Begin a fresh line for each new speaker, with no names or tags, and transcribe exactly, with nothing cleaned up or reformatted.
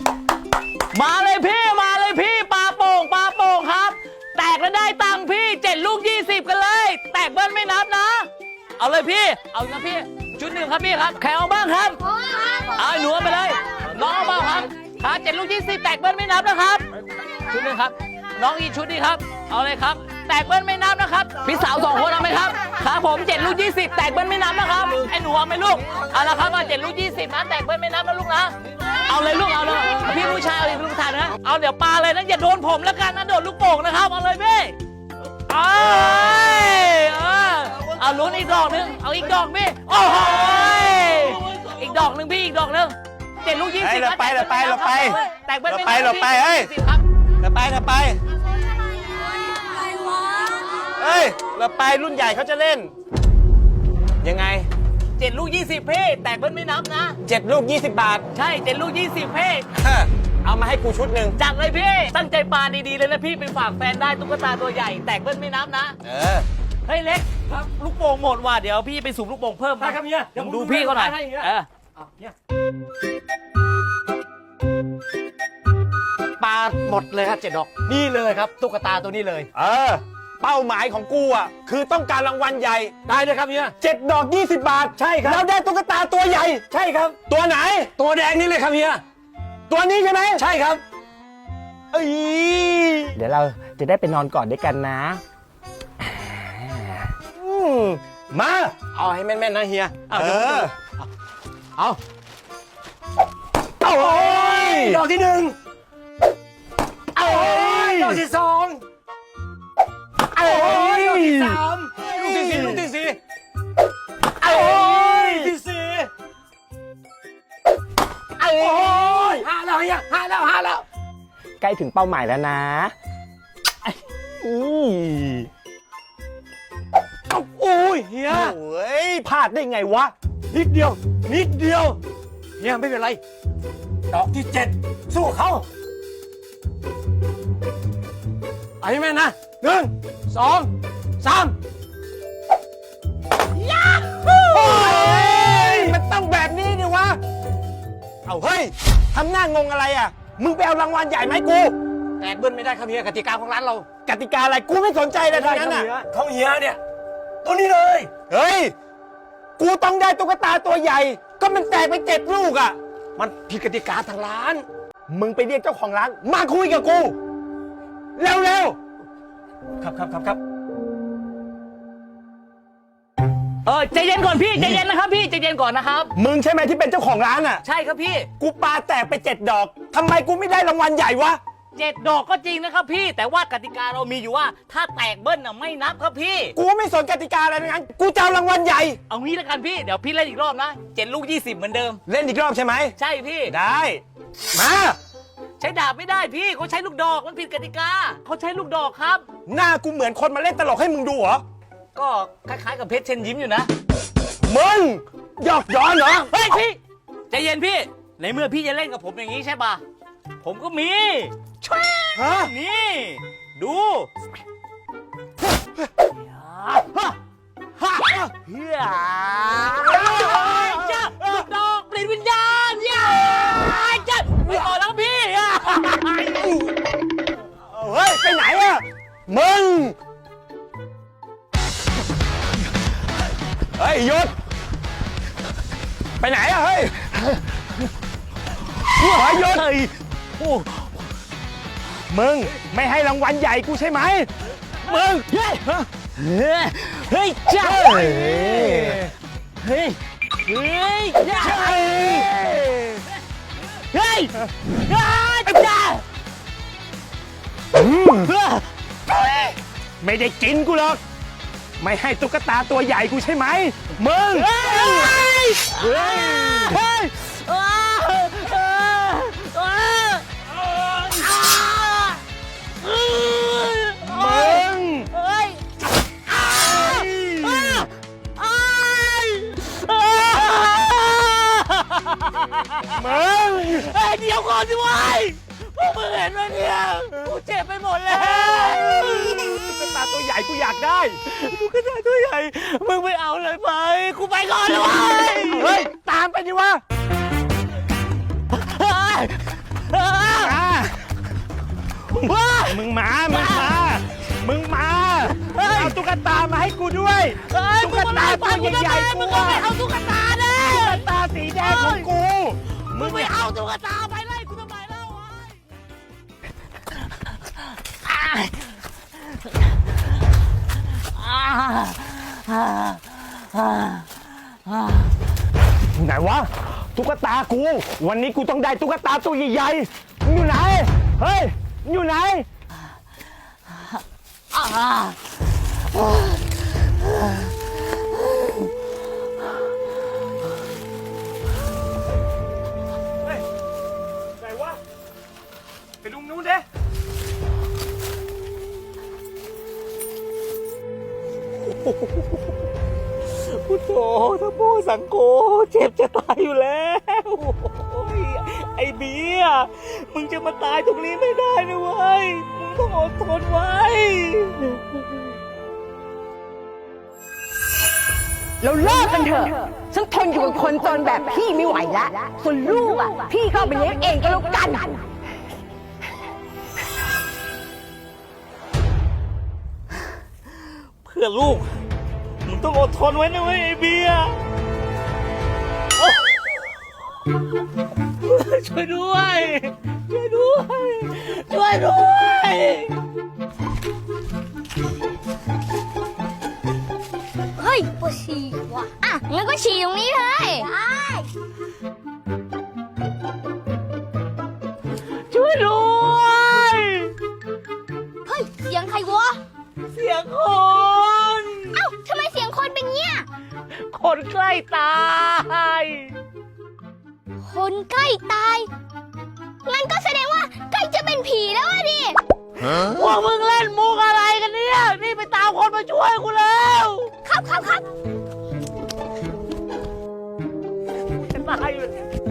มาเลยพี่มาเลยพี่ปลาโป่งปลาโป่งครับแตกแล้วได้ตังค์พี่เจ็ดลูกยี่สิบกันเลยแตกเบิ้ลไม่นับนะเอาเลยพี่เอานะพี่ชุดหนึ่งครับพี่ครับแข่งเอาบ้างครับเอาหนูไปเลยน้องเอาบ้างครับครับเจ็ดลูกยี่สิบแตกเบิ้ลไม่นับนะครับชุดหนึ่งครับน้องอีกชุดนี้ครับเอาเลยครับแตกเบิ้ลไม่นับนะครับพี่สาวสองคนเอาไหมครับครับผมเจ็ดลูกยี่สิบแตกเบิ้ลไม่นับนะครับไอ้หนูเอาไหมลูกเอาละครับมาเจ็ดลูกยี่สิบนะแตกเบิ้ลไม่นับนะลูกนะเอาเลยลูกเอาเลยพี่ผู้ชายเอาเลยลูกชายนะเอาเดี๋ยวปาเลยนะอย่าโดนผมแล้วกันนะโดนลูกโป่งนะครับเอาเลยพี่เอาเอาลุ้นอีกดอกนึงเอาอีกดอกพี่โอ้โหอีกดอกนึงพี่อีกดอกนึงเจ็ดลูกยี่สิบ
เราไปเราไปเราไป
แตกเบิ้ลไม่นับ
เราไปเฮ้ยเราไปเราไปเฮ้ยเราไปรุ่นใหญ่เขาจะเล่นยังไง
เจ็ดลูกยี่สิบเพ่แตกเบิ้ลไม่นับนะ
เจ็ดลูกยี่สิบบาท
ใช่เจ็ดลูกยี่สิบเพ่
เอามาให้กูชุดหนึ่ง
จัดเลยพี่ตั้งใจปาดีๆเลยนะพี่ไปฝากแฟนได้ตุ๊กตาตัวใหญ่แตกเบิ้ลไม่นับนะ
เออ
เฮ้ยเล็กครับลูกโป่งหมดว่ะเดี๋ยวพี่ไปสูบลูกโป่งเพิ่ม
ได้ครับเฮียเดี๋ยว
ดูพี่เขาหน่อยเออ
ปาหมดเลยครับเจ็ดดอกนี่เลยครับตุ๊กตาตัวนี้เลย
เออเป้าหมายของกูอ่ะคือต้องการรางวัลใหญ่
ได้เลยครับเฮีย
เจ็ดดอกยี่สิบบาท
ใช่ครับ
แล้วได้ตุ๊กตาตัวใหญ่
ใช่ครับ
ตัวไหน
ตัวแดงนี่เลยครับเฮีย
ตัวนี้ใช่ไหม
ใช่ครับ
เอ้ย
เดี๋ยวเราจะได้ไปนอนกอดด้วยกันนะ
มา
เอาให้แม่นๆนะเฮีย
เออ
เอาเอาโอ้ยดอกที่หนึ่งเอาโอ้ยดอกที่สองเอาโอ้ยดอกที่สามลูกที่สี่ลูกที่สี่เอาโอ้ยที่สี่เอาโอ้ยห้าแล้วเฮียห้าแล้วห้าแล้วใกล้ถึงเป้าหมายแล้วนะอือโอ้ยเฮีย
โอ้ยพลาดได้ไงวะ
นิดเดียวนิดเดียวเฮียไม่เป็นไรดอกที่เจ็ดสู้เขาไอ้แม่นะหนึ่งสองสาม
ยาฮูโอ้ยมันต้องแบบนี้ดิวะเอาเฮ้ยทำหน้างงอะไรอ่ะมึงไปเอารางวัลใหญ่ไหมกู
แตกเบิ้ลไม่ได้ครับเฮียกติกาของร้านเรา
กติกาอะไรกูไม่สนใจเลยทั้งนั้นอ่ะ
เขาเฮียเนี่ยตัวนี้เลย
เฮ้ยกูต้องได้ตุ๊กตาตัวใหญ่ก็มันแตกไปเจ็ดลูกอ่ะ
มันผิดกติกาทางร้าน
มึงไปเรียกเจ้าของร้านมาคุยกับกูเร็ว
ๆครับครับครับครับ
เออใจเย็นก่อนพี่ใจเย็นนะครับพี่ใจเย็นก่อนนะครับ
มึงใช่ไหมที่เป็นเจ้าของร้านอ่ะ
ใช่ครับพี่
กูปาแตกไปเจ็ดดอกทำไมกูไม่ได้รางวัลใหญ่วะ
เจ็ดดอกก็จริงนะครับพี่แต่ว่ากติกาเรามีอยู่ว่าถ้าแตกเบิ้ลน่ะไม่นับครับพี่
กูไม่สนกติกาอะไรทั้งนั้นกูจะเอารางวัลใหญ่
เอางี้แล้วกันพี่เดี๋ยวพี่เล่นอีกรอบนะเจ็ดลูกยี่สิบเหมือนเดิม
เล่นอีกรอบใช่ไหม
ใช่พี่
ได้มา
ใช้ดาบไม่ได้พี่เขาใช้ลูกดอกมันผิดกติกาเขาใช้ลูกดอกครับ
หน้ากูเหมือนคนมาเล่นตลกให้มึงดูเหรอ
ก็คล้ายๆกับเพชรเชิญยิ้มอยู่นะ
มึงหยอกย้อนเหรอ
เฮ้ยพี่ใจเย็นพี่ในเมื่อพี่จะเล่นกับผมอย่างนี้ใช่ปะผมก็มีช่วยนี่ดูฮ่าฮ่าเฮียจ้าลูกดอกเปลี่ยนวิญญาณย่าจ้าไม่ต่อแล้วพี่
เฮ้ยไปไหนอะมึงเฮ้ยหยุดไปไหนอะเฮ้ยเฮ้ยหยุดมึงไม่ให้รางวัลใหญ่กูใช่ไหมมึงเฮ้ย
เฮ้ยจ้าเฮ้ยเฮ้ยเฮ้ยจ้าเฮ้ยเฮ้ยจ้า
ไม่ได้กินกูหรอกไม่ให้ตุ๊กตาตัวใหญ่กูใช่ไหมมึง
เฮ้ยเฮ้ยเฮ้ย
มึง
เฮ้ย
มึง
เฮ้ยเดี๋ยวก่อนสิวะพวกมึงเห็นไหมเนี่ยกูเจ็บไปหมดแล้ว
ตุ๊กตาตัวใหญ่กูอยากได้
ตุ๊กตาตัวใหญ่มึงไม่เอาเลยไปกูไปก่อนเลย
เฮ้ยตามไปดิวะ
เฮ้
มึงมา มึงมา มึงมา เอาตุ๊กตามาให้กูด้วย
เฮ้ย
ตุ๊กตาตัวใหญ่ๆ
มึ
กู
งก็
อะ
ไม่เอาตุ๊กตาเด้
ตุ๊กตาสีแดงของกู
มึงไม่เอาตุ๊กตาไปไล่กูทำไมเล่าอ่ะอ่าอ่าอ่าอ่า
ไหนวะ ตุ๊กตากู วันนี้กูต้องได้ตุ๊กตาตัวใหญ่ๆมึงอยู่ไหน เฮ้ยมึงอยู่ไหน
อ่า
เฮ้ยไหนวะ ไปลุงนู้นเด้พุทโธทโมสังโฆเจ็บจะตายอยู่แล้วโอ้ยไอ้เบียร์มึงจะมาตายตรงนี้ไม่ได้นะเว้ย มึงต้องอดทนไว้
เราเลิกกันเถอะ ฉันทนอยู่กับคนจนแบบพี่ไม่ไหวแล้ว ส่วนลูกอ่ะ พี่เข้าไปเลี้ยงเองก็แล้วกัน
เพื่อลูก มึงต้องอดทนไว้นะเว้ยไอ้เบียร์โอ้ช่วยด้วย ช่วยด้วย ช่วยด้วย
เฮ้ยปวดฉี่ว่ะอ่ะงั้นก็ฉี่ตรงนี้เลยได้
ช่วยด้วย
เฮ้ย เสียงใครวะ
เสียงคน
เอ้าทำไมเสียงคนเป็นเงี้ย
คนใกล้ตาย
คนใกล้ตาย งั้นก็แสดงว่าใกล้จะเป็นผีแล้วอะดิ
พวกมึงเล่นมุกอะไรกันเนี่ย นี่ไปตามคนมาช่วยกูแล้ว
ครับครับครับ
จะตายอยู่เนี่ย